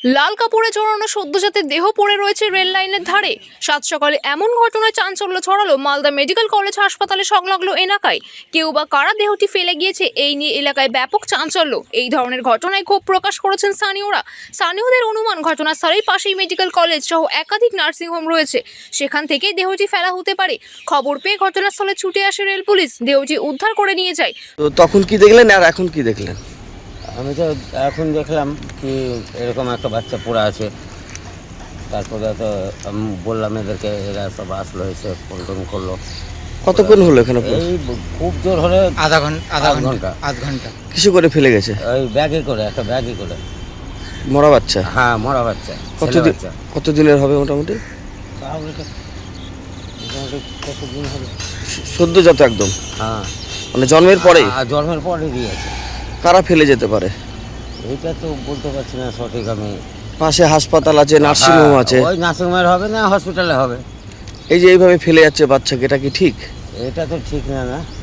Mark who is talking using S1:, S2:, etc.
S1: লাল কাপড়ে জড়ানো সদ্যজাতের দেহ পড়ে রয়েছে রেল লাইনের ধারে। সাত সকালে এমন ঘটনায় চাঞ্চল্য ছড়ালো মালদা মেডিকেল কলেজ হাসপাতালে সংলগ্ন এলাকায়। কেউ বা কারা দেহটি ফেলে গিয়েছে এই নিয়ে এলাকায় ব্যাপক চাঞ্চল্য। এই ধরনের ঘটনায় ক্ষোভ প্রকাশ করেছেন স্থানীয়দের অনুমান, ঘটনাস্থলের পাশেই মেডিকেল কলেজ সহ একাধিক নার্সিংহোম রয়েছে, সেখান থেকে দেহটি ফেলা হতে পারে। খবর পেয়ে ঘটনাস্থলে ছুটে আসে রেল পুলিশ, দেহটি উদ্ধার করে নিয়ে যায়।
S2: তো তখন কি দেখলেন আর এখন কি দেখলেন?
S3: আমি তো এখন দেখলাম কি এরকম একটা বাচ্চা পড়ে আছে। তারপরে তো আমি বললাম এদেরকে, এরা সব আসলো, এসে ফোন করলো।
S2: কতক্ষণ হলো এখানে?
S3: এই খুব জোর হলে
S4: আধা ঘন্টা
S2: কিছু করে ফেলে গেছে?
S3: ওই ব্যাগে করে, একটা ব্যাগে করে।
S2: মরা বাচ্চা?
S3: হ্যাঁ, মরা বাচ্চা। ছেলে বাচ্চা।
S2: কতদিনের হবে মোটামুটি?
S3: তাহলে তো মোটামুটি কতদিন হবে?
S2: সদ্যজাত একদম?
S3: হ্যাঁ,
S2: মানে জন্মের পরেই?
S3: জন্মের পরে দিয়েছে।
S2: কারা ফেলে যেতে পারে
S3: এইটা তো বলতে পারছি না সঠিক আমি।
S2: পাশে হাসপাতাল আছে, নার্সিংহোম আছে।
S3: ওই নার্সিংহোমের হবে না হসপিটালে হবে।
S2: এই যে এইভাবে ফেলে যাচ্ছে বাচ্চাকে, এটা কি ঠিক?
S3: এটা তো ঠিক না।